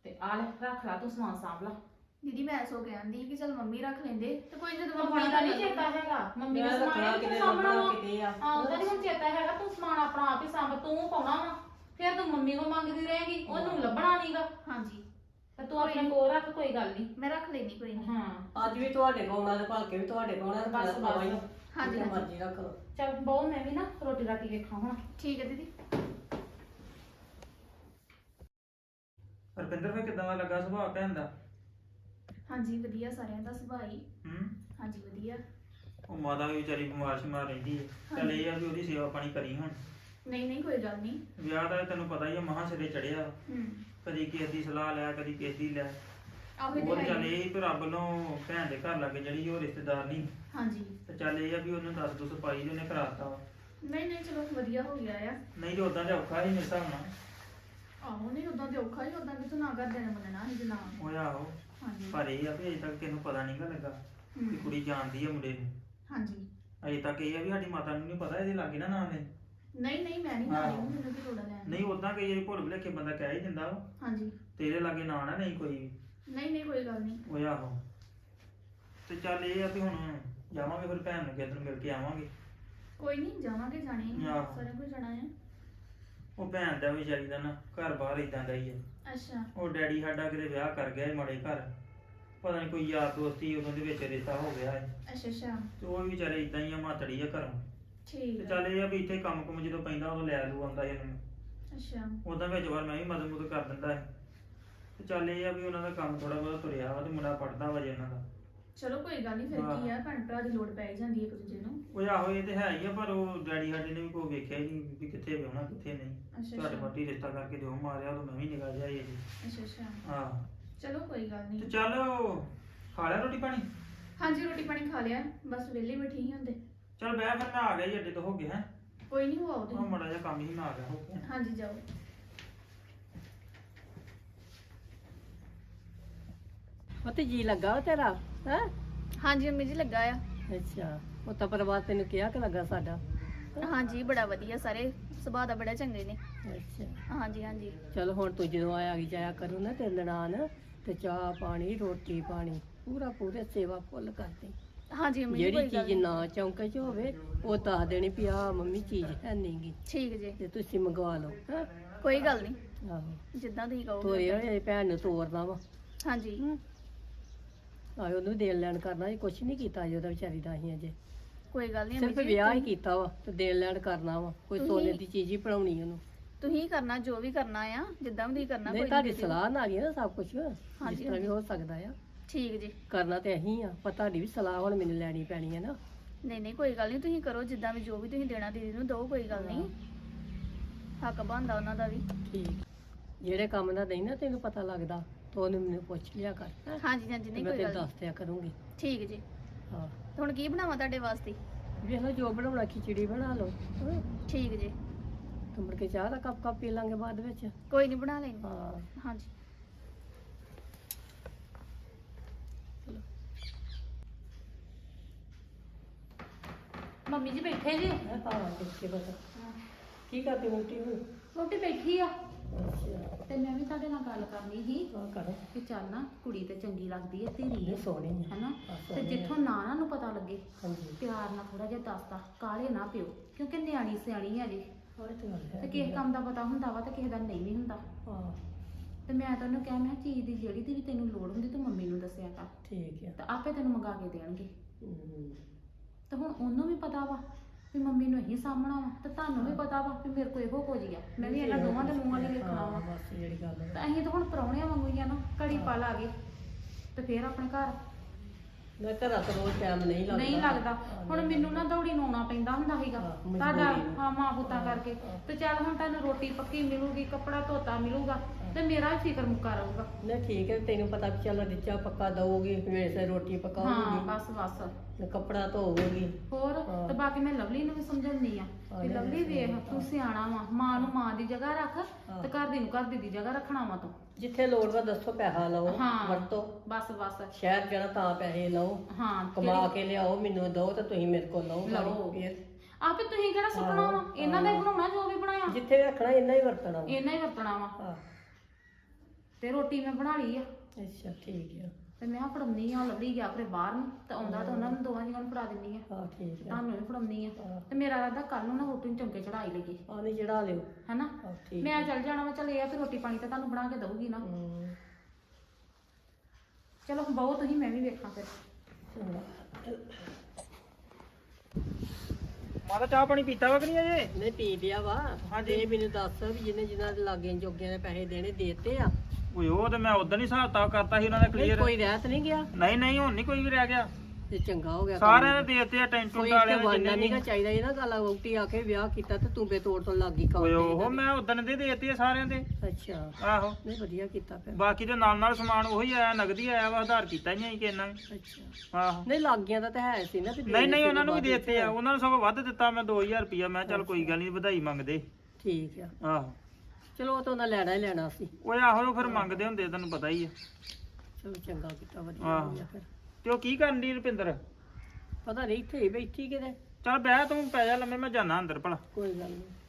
S1: ਤੇ ਆ ਲੈ ਰੱਖ ਲਾ ਤੂੰ ਸਮਾਨ ਸਾਂਭ ਲਾ।
S4: ਦੀਦੀ ਮੈਂ ਸੋ ਕਹਿੰਦੀ ਕਿ ਚਲ ਮੰਮੀ ਰੱਖ ਲੈਂਦੇ ਤੇ ਕੋਈ ਜਦੋਂ
S1: ਮੰਮੀ ਦਾ ਨਹੀਂ ਚੇਤਾ ਹੈਗਾ, ਮੰਮੀ ਦਾ
S2: ਮੈਂ
S1: ਸਮਾਨ
S2: ਰੱਖਣਾ
S1: ਤੂੰ
S2: ਕਿਤੇ
S1: ਸਾਂਭਣਾ ਵਾ।
S2: ਕਿਤੇ ਆ
S1: ਹਾਂ ਉਹਦਾ ਨਹੀਂ ਹੁਣ ਚੇਤਾ ਹੈਗਾ, ਤੂੰ ਸਮਾਨ ਆਪਣਾ ਆਪ ਹੀ ਸਾਂਭ, ਤੂੰ ਪਾਉਣਾ ਵਾ, ਫਿਰ ਤੂੰ ਮੰਮੀ ਕੋ ਮੰਗਦੀ ਰਹੇਗੀ, ਉਹਨੂੰ ਲੱਭਣਾ ਨਹੀਂਗਾ।
S4: ਹਾਂਜੀ
S1: ਤੇ ਤੂੰ ਆਪਣੇ ਕੋਲ ਰੱਖ, ਕੋਈ ਗੱਲ ਨਹੀਂ।
S4: ਮੈਂ ਰੱਖ ਲੈਣੀ ਕੋਈ ਨਹੀਂ।
S1: ਹਾਂ
S2: ਅੱਜ ਵੀ ਤੁਹਾਡੇ ਕੋਲ ਆਉਣਾ ਤੇ ਭਲਕੇ ਵੀ ਤੁਹਾਡੇ ਕੋਲ ਆਉਣਾ
S1: ਬਸ, ਬਸ।
S2: ਹਾਂਜੀ
S4: ਹਾਂਜੀ।
S2: ਮਰਜ਼ੀ ਰੱਖ ਲਓ।
S1: ਚੱਲ ਬਹੁ ਮੈਂ ਵੀ ਨਾ ਰੋਟੀ ਰਾਟੀ ਵੇਖਾਂ ਹੁਣ।
S4: ਠੀਕ ਹੈ ਦੀਦੀ।
S3: ਰੁਪਿੰਦਰ ਫਿਰ ਕਿਦਾਂ ਦਾ ਲੱਗਾ ਸੁਭਾਅ ਭੈਣ ਦਾ?
S4: ਹਾਂਜੀ ਵਧੀਆ, ਸਾਰਿਆਂ ਦਾ ਸੁਭਾਅ ਹੀ।
S3: ਹੂੰ।
S4: ਹਾਂਜੀ ਵਧੀਆ।
S3: ਉਹ ਮਾਤਾ ਵੀ ਵਿਚਾਰੀ ਬਿਮਾਰ ਸ਼ਿਮਾਰ ਰਹਿੰਦੀ ਹੈ, ਚੱਲ ਇਹ ਆ ਵੀ ਉਹਦੀ ਸੇਵਾ ਪਾਣੀ ਕਰੀ ਹੁਣ।
S4: ਨਹੀਂ ਨਹੀਂ ਕੋਈ ਗੱਲ ਨਹੀਂ।
S3: ਵਿਆਹ ਦਾ ਤੈਨੂੰ ਪਤਾ ਹੀ ਆ, ਮਹਾਂ ਸਿਰੇ ਚੜਿਆ, ਕਦੀ ਕਿਸੇ ਦੀ ਸਲਾਹ ਲੈ, ਕਦੀ ਕਿਸੇ ਦੀ ਲੈ।
S4: ਆਹੋ
S3: ਉਹ
S4: ਤੇ
S3: ਚੱਲ
S4: ਹੈ ਹੀ।
S3: ਇਹ ਵੀ ਰੱਬ ਨੂੰ ਭੈਣ ਦੇ ਘਰ ਲੱਗੇ ਜਿਹੜੀ ਉਹ ਰਿਸ਼ਤੇਦਾਰ ਨਹੀਂ,
S4: ਹਾਂਜੀ
S3: ਤੇ ਚੱਲ ਇਹ ਆ ਵੀ ਉਹਨੂੰ 10 ਪਾਈ ਤੇ ਉਹਨੇ ਕਰਾਤਾ ਵਾ।
S4: ਨਹੀਂ ਨਹੀਂ ਚਲੋ ਵਧੀਆ ਹੋ ਗਿਆ ਆ।
S3: ਨਹੀਂ ਤੇ ਉਦਾਂ ਤੇ ਔਖਾ ਹੀ ਮੇਰੇ ਹਿਸਾਬ ਨਾਲ।
S4: ਆਹੋ ਨਹੀਂ ਉਦਾਂ ਤੇ ਔਖਾ ਹੀ, ਉਦਾਂ ਕਿਥੋਂ ਨਾ ਕਰਦੇ ਨੇ ਮੰਨਣਾ ਸੀ ਜਨਾ।
S3: ਉਹ ਆਹੋ,
S4: ਹਾਂਜੀ
S3: ਪਰ ਇਹ ਆ ਵੀ ਅਜੇ ਤੱਕ ਕਿਸੇ ਨੂੰ ਪਤਾ ਨਹੀਂਗਾ ਲੱਗਾ ਕਿ ਕੁੜੀ ਜਾਣਦੀ ਆ ਮੁੰਡੇ ਨੂੰ।
S4: ਹਾਂਜੀ
S3: ਅਜੇ ਤੱਕ ਇਹ ਆ ਵੀ ਸਾਡੀ ਮਾਤਾ ਨੂੰ ਨਹੀਂ ਪਤਾ ਇਹਦੇ ਲਾਗੇ ਨਾ ਨਾਂ ਨੇ।
S4: ਨਹੀਂ ਨਹੀਂ ਮੈਂ ਨਹੀਂ ਮਾਰੀ, ਮੈਨੂੰ ਕੀ ਲੋੜ ਲੈਣ ਦੀ।
S3: ਨਹੀਂ ਉਦਾਂ ਕਈ ਵਾਰੀ ਭੁੱਲ ਭੁਲੇਖੇ ਬੰਦਾ ਕਹਿ ਹੀ ਦਿੰਦਾ ਵਾ,
S4: ਹਾਂਜੀ
S3: ਤੇਰੇ ਲਾਗੇ ਨਾਂ ਨਾ ਨਹੀਂ ਕੋਈ ਵੀ।
S4: ਨਹੀਂ ਨਹੀਂ ਕੋਈ ਗੱਲ ਨਹੀਂ।
S3: ਉਹ ਆਹੋ, ਤੇ ਚੱਲ ਇਹ ਆ ਵੀ ਹੁਣ ਜਾਵਾਂਗੇ ਫਿਰ ਭੈਣ ਨੂੰ ਕਿਸੇ ਦਿਨ ਮਿਲ ਕੇ ਆਵਾਂਗੇ।
S4: ਕੋਈ ਨਹੀਂ ਜਾਵਾਂਗੇ, ਜਾਣੇ ਆ,
S3: ਆਹੋ।
S4: ਸਾਰਿਆਂ ਕੋਲ ਜਾਣਾ ਹੈ।
S3: ਉਹ ਭੈਣ ਦਾ ਵਿਚਾਰੀ ਦਾ ਨਾ ਘਰ ਬਾਹਰ ਇਦਾਂ ਦਾ ਹੀ ਆ।
S4: ਅੱਛਾ
S3: ਉਹ ਡੈਡੀ ਸਾਡਾ ਕਿਤੇ ਵਿਆਹ ਕਰ ਗਿਆ ਸੀ ਮਾੜੇ ਘਰ, ਪਤਾ ਨਹੀਂ ਕੋਈ ਯਾਰ ਦੋਸਤੀ ਉਹਨਾਂ ਦੇ ਵਿੱਚ ਰਿਸ਼ਤਾ ਹੋ ਗਿਆ ਹੈ,
S4: ਅੱਛਾ ਅੱਛਾ
S3: ਤੇ ਉਹ ਵੀ ਵਿਚਾਰੇ ਇਦਾਂ ਹੀ ਆ, ਮਾਤੜੀ ਆ ਘਰੋਂ।
S4: ਠੀਕ
S3: ਤੇ
S4: ਹੈ।
S3: ਚੱਲ ਇਹ ਆ ਵੀ ਇੱਥੇ ਕੰਮ ਕੁਮ ਜਦੋਂ ਪੈਂਦਾ ਉਦੋਂ ਲੈ ਲੂ ਆਉਂਦਾ ਇਹਨੂੰ।
S4: ਅੱਛਾ
S3: ਉਦਾਂ ਵਿੱਚ ਵਾਰ ਮੈਂ ਵੀ ਮਦਦ ਮੁਦਦ ਕਰ ਦਿੰਦਾ ਹੈ। ਤੇ ਚੱਲ ਇਹ ਆ ਵੀ ਉਹਨਾਂ ਦਾ ਕੰਮ ਥੋੜਾ ਬਹੁਤਾ ਤੁਰਿਆ ਵਾ, ਤੇ ਮੁੰਡਾ ਪੜਦਾ ਵਾ ਜੇ ਉਹਨਾਂ ਦਾ।
S4: ਚਲੋ ਕੋਈ ਗੱਲ ਨਹੀਂ, ਫਿਰ ਕੀ ਆ, ਭੈਣ ਭਰਾ ਦੀ ਲੋੜ ਪੈ ਹੀ ਜਾਂਦੀ ਹੈ ਇੱਕ ਦੂਜੇ ਨੂੰ।
S3: ਉਹ ਆਹੋ ਇਹ ਤੇ ਹੈ ਹੀ ਆ, ਪਰ ਉਹ ਡੈਡੀ ਸਾਡੇ ਨੇ ਵੀ ਕੋਈ ਵੇਖਿਆ ਹੀ ਨਹੀਂ ਵੀ ਕਿੱਥੇ ਵਿਆਹਣਾ ਕਿੱਥੇ ਨਹੀਂ।
S4: ਅੱਛਾ
S3: ਤੁਹਾਡੇ
S4: ਅੱਛਾ
S3: ਮੱਟੀ ਰਿਸ਼ਤਾ ਕਰਕੇ ਦਿਓ ਮਾਰਿਆ, ਉਦੋਂ ਮੈਂ ਵੀ ਨਿਗਾਹ ਜਾਈ ਜੀ।
S4: ਅੱਛਾ ਅੱਛਾ
S3: ਹਾਂ
S4: ਚਲੋ ਕੋਈ ਗੱਲ
S3: ਤੇ
S4: ਨਹੀਂ।
S3: ਚੱਲ ਖਾ ਲਿਆ ਰੋਟੀ ਪਾਣੀ?
S4: ਹਾਂਜੀ ਰੋਟੀ ਪਾਣੀ ਖਾ ਲਿਆ, ਬਸ ਵਿਹਲੇ ਬੈਠੇ ਹੀ ਹੁੰਦੇ।
S3: ਚੱਲ ਬਹਿ, ਫਿਰ ਮੈਂ ਆ ਗਿਆ ਜੀ, ਅੱਡੇ ਤੋਂ ਹੋ ਗਿਆ ਹੈ।
S4: ਕੋਈ ਨਹੀਂ, ਹੋ ਆਓ
S3: ਉਹ
S4: ਤੁਸੀਂ।
S3: ਮੜਾ ਜਿਹਾ ਕੰਮ ਹੀ ਮੈਂ ਆ ਗਿਆ ਹੋ ਗਿਆ।
S4: ਹਾਂਜੀ ਜਾਓ।
S2: ਉਹ ਤੇ ਜੀ ਲੱਗਾ ਵਾ ਤੇਰਾ ਹੈ?
S4: ਹਾਂਜੀ ਮੰਮੀ ਜੀ ਲੱਗਾ ਆ।
S2: ਅੱਛਾ, ਉਹ ਤਾਂ ਪਰਿਵਾਰ ਤੈਨੂੰ ਕਿਹਾ ਕਿ ਲੱਗਾ ਸਾਡਾ?
S4: ਹਾਂਜੀ ਬੜਾ ਵਧੀਆ, ਸਾਰੇ ਸੁਭਾਅ ਦਾ ਬੜਾ ਚੰਗੇ ਨੇ।
S2: ਅੱਛਾ
S4: ਹਾਂਜੀ ਹਾਂਜੀ
S2: ਚਲ ਹੁਣ ਤੂੰ ਜਦੋਂ ਆਇਆ ਗਈ ਜਾਇਆ ਕਰੂ ਨਾ ਤੇ ਨਨਾਣ, ਤੇ ਚਾਹ ਪਾਣੀ ਰੋਟੀ ਪਾਣੀ ਪੂਰੇ ਸੇਵਾ ਫੁੱਲ ਕਰਦੀ।
S4: ਹਾਂਜੀ ਮੰਮੀ ਜੀ
S2: ਜਿਹੜੀ
S4: ਕੋਈ ਗੱਲ
S2: ਚੀਜ਼
S4: ਨੀ।
S2: ਨਾ ਚੌਂਕੇ 'ਚ ਹੋਵੇ ਉਹ ਦੱਸ ਦੇਣੀ ਵੀ ਆਹ ਮੰਮੀ ਚੀਜ਼ ਹੈ ਨਹੀਂਗੀ,
S4: ਠੀਕ ਜੀ,
S2: ਤੇ ਤੁਸੀਂ ਮੰਗਵਾ ਲਓ। ਹੈਂ?
S4: ਕੋਈ ਗੱਲ ਨਹੀਂ,
S2: ਆਹੋ
S4: ਜਿੱਦਾਂ ਤੁਸੀਂ ਕਹੋਗੇ।
S2: ਤੋਰੇ ਹੋਏ ਭੈਣ ਨੂੰ ਤੋਰਨਾ ਵਾ।
S4: ਹਾਂਜੀ
S2: ਆਏ ਉਹਨੂੰ ਦੇਣ ਲੈਣ ਕਰਨਾ ਜੀ, ਕੁਛ ਨਹੀਂ ਕੀਤਾ ਜੀ ਉਹਦਾ ਵਿਚਾਰੀ ਦਾ ਅਸੀਂ ਅਜੇ,
S4: ਕੋਈ ਗੱਲ ਨਹੀਂ
S2: ਸਿਰਫ ਵਿਆਹ ਹੀ ਕੀਤਾ ਵਾ ਤੇ ਦੇਣ ਲੈਣ ਕਰਨਾ ਵਾ, ਕੋਈ ਸੋਨੇ ਦੀ ਚੀਜ਼ ਹੀ ਬਣਾਉਣੀ ਉਹਨੂੰ।
S4: ਤੁਸੀਂ ਕਰਨਾ ਜੋ ਵੀ ਕਰਨਾ ਆ, ਜਿੱਦਾਂ ਵੀ ਤੁਸੀਂ ਕਰਨਾ।
S2: ਨਹੀਂ
S4: ਕੋਈ
S2: ਤੁਹਾਡੀ
S4: ਨੀ ਦਿਓ।
S2: ਸਲਾਹ ਨਾਲ ਹੀ ਆ ਨਾ ਸਭ ਕੁਝ, ਜਿਸ ਤਰ੍ਹਾਂ ਵੀ ਹੋ ਸਕਦਾ ਆ।
S4: ਠੀਕ ਜੀ।
S2: ਕਰਨਾ ਤੇ ਅਸੀਂ ਆ, ਪਰ ਤੁਹਾਡੀ ਵੀ ਸਲਾਹ ਹੁਣ ਮੈਨੂੰ ਲੈਣੀ ਪੈਣੀ ਹੈ ਨਾ।
S4: ਨਹੀਂ ਨਹੀਂ ਕੋਈ ਗੱਲ ਨਹੀਂ, ਤੁਸੀਂ ਕਰੋ ਜਿੱਦਾਂ ਵੀ, ਜੋ ਵੀ ਤੁਸੀਂ ਦੇਣਾ ਦੀਦੀ ਨੂੰ ਦਿਓ, ਕੋਈ ਗੱਲ ਨਹੀਂ, ਹੱਕ ਬਣਦਾ ਉਹਨਾਂ ਦਾ ਵੀ।
S2: ਠੀਕ, ਜਿਹੜੇ ਕੰਮ ਦਾ ਨਹੀਂ ਨਾ ਤੈਨੂੰ ਪਤਾ ਲੱਗਦਾ ਤਾਂ ਉਹਨੂੰ ਮੈਨੂੰ ਪੁੱਛ ਲਿਆ ਕਰ, ਹੈਂ?
S4: ਹਾਂਜੀ ਹਾਂਜੀ
S2: ਤੇ
S4: ਨਹੀਂ
S2: ਮੈਂ
S4: ਕੋਈ
S2: ਤੈਨੂੰ
S4: ਗੱਲ ਨੀ।
S2: ਦੱਸ ਦਿਆ ਕਰੂੰਗੀ।
S4: ਠੀਕ ਜੀ।
S2: ਹਾਂ
S4: ਤੇ ਹੁਣ ਕੀ ਬਣਾਵਾਂ ਤੁਹਾਡੇ ਵਾਸਤੇ?
S2: ਵੇਖ ਲਓ ਜੋ ਬਣਾਉਣਾ, ਖਿਚੜੀ ਬਣਾ ਲਓ, ਹੈਂ?
S4: ਠੀਕ ਜੀ,
S2: ਤੇ ਮੁੜ ਕੇ ਚਾਹ ਦਾ ਕੱਪ ਪੀ ਲਾਂਗੇ ਬਾਅਦ ਵਿੱਚ।
S4: ਕੋਈ ਨਹੀਂ ਬਣਾ ਲੈਣੀ।
S2: ਹਾਂ
S4: ਹਾਂਜੀ
S1: ਮੰਮੀ ਜੀ ਬੈਠੇ ਜੀ?
S2: ਹਾਂ ਦੇਖੇ ਪਤਾ ਕੀ ਕਰਦੀ ਮੋਟੀ ਨੂੰ?
S1: ਰੋਟੀ ਬੈਠੀ ਆ,
S2: ਅੱਛਾ
S1: ਤੇ ਮੈਂ ਵੀ ਤੁਹਾਡੇ ਨਾਲ ਗੱਲ ਕਰਨੀ ਸੀ
S2: ਹਾਂ ਕਰ,
S1: ਕਿ ਚੱਲ ਨਾ ਕੁੜੀ ਤੇ ਚੰਗੀ ਲੱਗਦੀ ਹੈ, ਧੀਰੀ
S2: ਇਹ
S1: ਹੈ
S2: ਸੋਹਣੀ ਹੈ।
S1: ਹੈਨਾ,
S2: ਹਾਂ,
S1: ਤੇ
S2: ਸੋਹਣੀ
S1: ਜਿੱਥੋਂ ਨਾ ਨੂੰ ਪਤਾ ਲੱਗੇ
S2: ਹਾਂਜੀ
S1: ਪਿਆਰ ਨਾਲ ਥੋੜਾ ਜਿਹਾ ਦੱਸਦਾ, ਕਾਲੇ ਨਾ ਪਿਓ, ਕਿਉਂਕਿ ਨਿਆਣੀ ਸਿਆਣੀ ਹੈ ਜੀ,
S2: ਹੋਰ ਤੇ ਗੱਲ ਹੈ
S1: ਤੇ ਕਿਸੇ ਕੰਮ ਦਾ ਪਤਾ ਹੁੰਦਾ ਵਾ ਤੇ ਕਿਸੇ ਦਾ ਨਹੀਂ ਵੀ ਹੁੰਦਾ।
S2: ਹਾਂ
S1: ਤੇ ਮੈਂ ਤਾਂ ਉਹਨੂੰ ਕਿਹਾ, ਮੈਂ ਕਿਹਾ ਚੀਜ਼ ਦੀ ਜਿਹੜੀ ਦੀ ਵੀ ਤੈਨੂੰ ਲੋੜ ਹੁੰਦੀ ਤੂੰ ਮੰਮੀ ਨੂੰ ਦੱਸਿਆ ਕਰ,
S2: ਠੀਕ ਹੈ।
S1: ਤੇ ਆਪੇ ਤੈਨੂੰ ਮੰਗਾ ਕੇ ਦੇਣਗੇ।
S2: ਹਮ,
S1: ਤੇ ਹੁਣ ਉਹਨੂੰ ਵੀ ਪਤਾ ਵਾ ਵੀ ਮੰਮੀ ਨੂੰ ਇਹੀ ਸਾਹਮਣਾ ਵਾ, ਤੇ ਤੁਹਾਨੂੰ ਵੀ ਪਤਾ ਵਾ ਵੀ ਮੇਰੇ ਕੋਲ ਇਹੋ ਕੁਝ ਹੀ ਆ, ਮੈਂ ਵੀ ਇਹਨਾਂ ਦੋਵਾਂ ਦੇ ਮੂੰਹ ਵਾਲੀ ਵੇਖਣਾ ਵਾ।
S2: ਹਾਂ, ਬਸ ਜਿਹੜੀ ਗੱਲ ਹੈ।
S1: ਤੇ ਅਸੀਂ ਤਾਂ ਹੁਣ ਪ੍ਰਾਹੁਣਿਆਂ ਵਾਂਗੂ ਹੀ ਆ ਨਾ, ਘੜੀ ਪਲ ਆ ਗਏ ਤੇ ਫੇਰ ਆਪਣੇ ਘਰ
S2: ਮੈਂ ਘਰਾਂ ਤੋਂ ਰੋਜ਼ ਟਾਈਮ ਨਹੀਂ ਲੱਗਦਾ।
S1: ਨਹੀਂ ਲੱਗਦਾ।
S2: ਹਾਂ,
S1: ਹੁਣ
S2: ਨਹੀਂ
S1: ਮੈਨੂੰ ਨਾ ਦੌੜੀ ਨੂੰ ਆਉਣਾ ਪੈਂਦਾ ਹੁੰਦਾ ਸੀਗਾ
S2: ਹਾਂ, ਮਜਬੂਰੀ
S1: ਤੁਹਾਡਾ,
S2: ਨੂੰ।
S1: ਹਾਂ ਮਾਂ ਪੁੱਤਾਂ ਕਰਕੇ, ਤੇ ਚੱਲ ਹੁਣ ਤੁਹਾਨੂੰ ਰੋਟੀ ਪੱਕੀ ਮਿਲੂਗੀ, ਕੱਪੜਾ ਧੋਤਾ ਮਿਲੂਗਾ, ਤੇ ਮੇਰਾ ਵੀ ਫਿਕਰ ਮੁੱਕਾ ਰਹੂਗਾ।
S2: ਨਹੀਂ ਠੀਕ ਹੈ, ਤੈਨੂੰ ਪਤਾ ਵੀ ਚੱਲ ਰਿਚਾ ਪੱਕਾ ਦਊਗੀ, ਵੇਸੇ ਰੋਟੀ
S1: ਹਾਂ
S2: ਪਕਾਉਗੀ,
S1: ਬਸ ਬਸ,
S2: ਤੇ ਕੱਪੜਾ ਧੋਊਗੀ।
S1: ਹੋਰ
S2: ਹਾਂ।
S1: ਤੇ ਬਾਕੀ ਮੈਂ ਲਵਲੀ ਨੂੰ ਵੀ ਸਮਝਾਉਂਦੀ ਆ
S2: ਹਾਂ,
S1: ਕਿ
S2: ਨਹੀਂ,
S1: ਲਵਲੀ ਵੇਖ ਤੂੰ ਸਿਆਣਾ ਵਾ, ਮਾਂ ਨੂੰ ਮਾਂ ਦੀ ਜਗ੍ਹਾ ਰੱਖ
S2: ਹਾਂ।
S1: ਤੇ ਘਰ ਦੀ ਨੂੰ ਘਰ ਦੀ ਜਗ੍ਹਾ ਰੱਖਣਾ ਵਾ ਤੂੰ।
S2: ਜਿੱਥੇ ਲੋੜ ਵਾ ਦੱਸੋ, ਪੈਸਾ ਲਓ
S1: ਹਾਂ।
S2: ਵਰਤੋ,
S1: ਬਸ ਬਸ,
S2: ਸ਼ਹਿਰ ਜਾਣਾ ਤਾਂ ਪੈਸੇ ਲਓ,
S1: ਹਾਂ
S2: ਕਮਾ ਕੇ ਲਿਆਓ, ਮੈਨੂੰ ਦਿਓ ਤੇ ਤੁਸੀਂ ਮੇਰੇ ਕੋਲ ਲਓ
S1: ਲਓ।
S2: ਫਿਰ
S1: ਆਪੇ ਤੁਸੀਂ ਕਿਹੜਾ ਸੁਪਨਾ ਵਾ, ਇਹਨਾਂ ਦਾ ਹੀ ਬਣਾਉਣਾ ਜੋ ਵੀ ਬਣਾਇਆ,
S2: ਜਿੱਥੇ ਰੱਖਣਾ ਇੰਨਾ ਹੀ ਵਰਤਣਾ ਵਾ।
S1: ਇਹਨਾਂ ਹੀ ਵਰਤਣਾ ਵਾ।
S2: ਹਾਂ
S1: ਤੇ ਰੋਟੀ ਮੈਂ ਬਣਾ ਲਈ ਆ
S2: ਅੱਛਾ ਠੀਕ ਆ।
S1: ਤੇ ਮੈਂ ਫੜਾਉਣੀ ਆ, ਲਵਲੀ ਗਿਆ ਫਿਰ ਬਾਹਰ ਨੂੰ ਤੇ ਆਉਂਦਾ ਤਾਂ ਉਹਨਾਂ ਨੂੰ ਦੋਵਾਂ ਜੀਆਂ ਨੂੰ ਫੜਾ ਦਿੰਨੀ ਆ,
S2: ਹਾਂ ਠੀਕ ਆ।
S1: ਤੁਹਾਨੂੰ ਵੀ ਫੜਾਉਣੀ ਆ।
S2: ਹਾਂ।
S1: ਤੇ ਮੇਰਾ ਰਾਦਾ ਕੱਲ ਨੂੰ ਨਾ ਰੋਟੀ ਨੂੰ ਚਮਕੇ ਚੜਾਈ ਲਈਏ
S2: ਆ ਨਹੀਂ ਚੜਾ ਲਿਓ।
S1: ਹਨਾ।
S2: ਹਾਂ ਠੀਕ
S1: ਮੈਂ ਚੱਲ ਜਾਣਾ ਵਾ, ਚੱਲ ਇਹ ਆ ਫਿਰ ਰੋਟੀ ਪਾਣੀ ਤਾਂ ਤੁਹਾਨੂੰ ਬਣਾ ਕੇ ਦਊਗੀ ਨਾ।
S2: ਹੂੰ
S1: ਚਲੋ ਬਹੁਤ ਤੁਸੀਂ, ਮੈਂ ਵੀ ਵੇਖਾਂ ਫਿਰ।
S2: ਚੰਗਾ।
S3: ਮਾਤਾ ਚਾਹ ਪਾਣੀ ਪੀਤਾ ਵਾ ਕਿ ਨਹੀਂ ਅਜੇ?
S2: ਨਹੀਂ ਪੀ ਲਿਆ ਵਾ।
S3: ਹਾਂਜੀ।
S2: ਇਹ ਮੈਨੂੰ ਦੱਸ ਵੀ ਜਿਨ੍ਹਾਂ ਦੇ ਲਾਗੇ ਜੋਗਿਆਂ ਦੇ ਪੈਸੇ ਦੇਣੇ ਦੇਤੇ ਆ
S3: ਓਏ ਉਹ ਤੇ ਮੈਂ ਉਦੋਂ ਹੀ ਹਿਸਾਬ ਕਿਤਾਬ ਕਰਤਾ ਸੀ ਉਹਨਾਂ ਦਾ
S2: ਨਹੀਂ
S3: ਕਲੀਅਰ।
S2: ਕੋਈ ਰਹਿਤ ਨਹੀਂ ਗਿਆ
S3: ਨਹੀਂ ਨਹੀਂ ਹੁਣ ਨਹੀਂ ਕੋਈ ਵੀ ਰਹਿ ਗਿਆ,
S2: ਤੇ ਚੰਗਾ ਹੋ ਗਿਆ।
S3: ਸਾਰਿਆਂ ਦੇ ਦੇਤੇ ਆ ਟੈਂਟੂ
S2: ਕੋਈ
S3: ਵਾਲਿਆਂ
S2: ਇੱਥੇ
S3: ਦੇ
S2: ਵਾਨਾ
S3: ਜਿੰਨੇ
S2: ਨਹੀਂ
S3: ਵੀ।
S2: ਚਾਹੀਦਾ ਇਹ ਨਾ ਗੱਲ ਵੋਟੀ ਆ ਕੇ ਵਿਆਹ ਕੀਤਾ ਤੇ ਤੂੰ ਬੇਤੋੜ ਤੋਂ ਲੱਗ ਗਈ
S3: ਓਏ
S2: ਕੰਮ
S3: ਉਹ ਮੈਂ ਉਦੋਂ ਦੇ ਦੇਤੇ ਆ ਸਾਰਿਆਂ ਦੇ।
S2: ਅੱਛਾ
S3: ਆਹੋ
S2: ਨਹੀਂ ਵਧੀਆ ਕੀਤਾ ਫਿਰ।
S3: ਬਾਕੀ ਦੇ ਨਾਲ ਨਾਲ ਸਮਾਨ ਉਹੀ ਆਇਆ, ਨਗਦੀ ਆਇਆ ਵਾ, ਆਧਾਰ ਕੀਤਾ ਹੀ ਨਹੀਂ ਕਿੰਨਾ ਵੀ।
S2: ਅੱਛਾ
S3: ਆਹੋ
S2: ਨਹੀਂ ਲਾਗੀਆਂ ਦਾ ਤਾਂ ਹੈ ਸੀ ਨਾ ਵੀ
S3: ਨਹੀਂ ਨਹੀਂ
S2: ਦੇਣੇ
S3: ਉਹਨਾਂ ਨੂੰ ਵੀ
S2: ਸੀ
S3: ਦੇਤੇ ਆ, ਉਹਨਾਂ ਨੂੰ ਸਗੋਂ ਵੱਧ ਦਿੱਤਾ ਮੈਂ 2000 ਰੁਪਇਆ। ਮੈਂ ਚੱਲ ਕੋਈ ਗੱਲ ਨਹੀਂ, ਵਧਾਈ ਮੰਗਦੇ।
S2: ਠੀਕ ਆ।
S3: ਆਹੋ
S2: ਚਲੋ ਉਹ ਤਾਂ ਉਹਨਾਂ ਲੈਣਾ ਹੀ ਲੈਣਾ ਸੀ।
S3: ਓਏ ਆਹੋ ਫਿਰ ਮੰਗਦੇ ਹੁੰਦੇ, ਤੈਨੂੰ ਪਤਾ ਹੀ ਆ।
S2: ਚਲੋ ਚੰਗਾ ਕੀਤਾ, ਵਧੀਆ
S3: ਆਹੋ।
S2: ਹੋ ਗਿਆ ਫਿਰ।
S3: ਤੇ ਉਹ ਕੀ ਕਰਨ ਦੀ ਰੁਪਿੰਦਰ?
S2: ਪਤਾ ਨਹੀਂ ਇੱਥੇ ਹੀ ਬੈਠੀ ਕਿਤੇ।
S3: ਚੱਲ ਬਹਿ ਤੂੰ, ਪੈ ਜਾ ਲੰਮੇ, ਮੈਂ ਜਾਣਾ ਅੰਦਰ ਭਲਾ।
S2: ਕੋਈ ਗੱਲ ਨਹੀਂ।